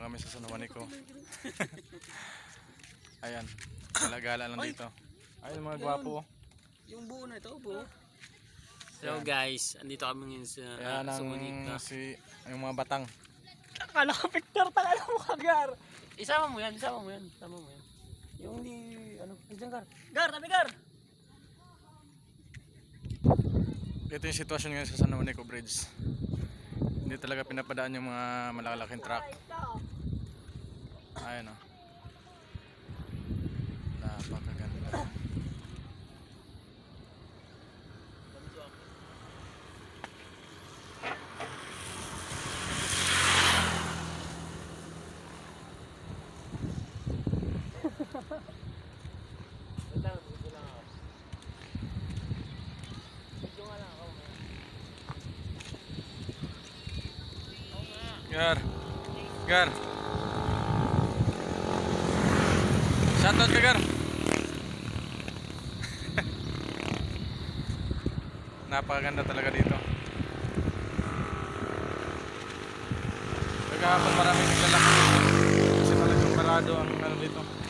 kami sa San Juanico. Ayan, gala-gala lang dito. Ayun mga gwapo. Yung buo na ito, buo. Hello guys, andito kami ngayon sa Ayan ang Sumunita. yung mga batang. Akala ko picture, takala mo kagar. Isama mo yan, isama mo yan, isama mo yan. Yung di, ano, nandiyan Gar. Gar, tabi Gar. Ito yung sitwasyon ngayon sa San Juanico Bridge. Hindi talaga pinapadaan yung mga malalaking truck. Ayan o. Napakaganda. Gar. Gar. Shoutout ka Gar. Napakaganda talaga dito. Kaya pag maraming naglalakad dito, kasi talagang parado ang ano dito.